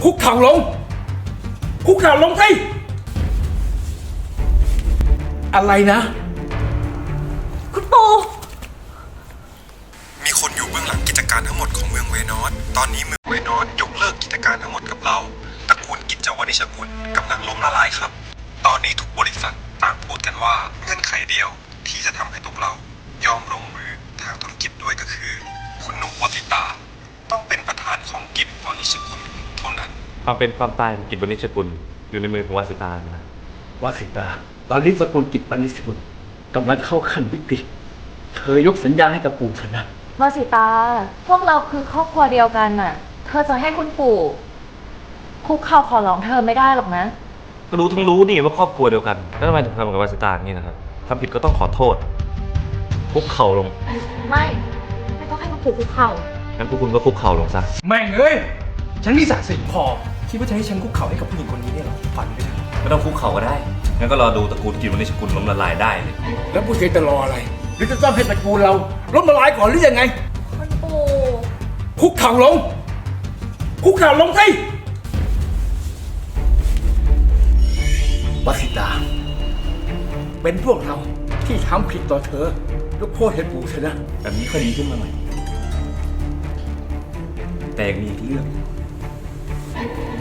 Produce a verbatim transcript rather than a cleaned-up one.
คุกเข่าลงคุกเข่าลงสิอะไรนะคุณปู่มีคนอยู่เบื้องหลังกิจการทั้งหมดของเมืองเวนอสตอนนี้เมืองเวนอสยกเลิกกิจการทั้งหมดกับเราตระกูลกิจวันิชกุลกำลังล้มละลายครับตอนนี้ทุกบริษัทต่างพูดกันว่าเงื่อนไขเดียวที่จะทำให้พวกเรายอมลงมือทางธุรกิจด้วยก็คือคุณนุกวติตาต้องเป็นประธานของกิจวันิชกุลเท่านั้นความเป็นความตายของกิจวณิชกุลอยู่ในมือของวาสิตานะวาสิตาตอนนี้สกุลกิจปณิสกุลกำลังเข้าขั้นวิกฤตเธอยกสัญญาให้กับปู่เถอะนะวาสิตา พวกเราคือครอบครัวเดียวกันน่ะ เธอจะให้คุณปู่คุกเข่าขอร้องเธอไม่ได้หรอกนะก็รู้ทั้งรู้นี่ว่าครอบครัวเดียวกันแล้วทำไมถึงทำกับวาสิตาอย่างนี้นะครับทำผิดก็ต้องขอโทษคุกเข่าลงไม่ ไม่ต้องให้คุณปู่คุกเข่างั้นพวกคุณก็คุกเข่าลงซะแม่งเอ้ยฉันมีศักดิ์ศรีพอคิดว่าจะให้ฉันคุกเข่าให้กับผู้หญิงคนนี้ได้หรอฝันไปเถอะไม่ต้องคุกเข่าก็ได้งั้นก็รอดูตระกูลกิจวณิชกุลล้มละลายได้เลยแล้วผู้ชายจะรออะไรหรือจะต้องให้ตระกูลเราล้มละลายก่อนหรือยังไงคุณปู่คุกเข่าลงคุกเข่าลงสิวาสิตา เป็นพวกเราที่ทำผิดต่อเธอยกโทษให้ปู่เถอะนะแบบนี้ค่อยดีขึ้นมาหน่อยแต่ยังมีอีกเรื่อง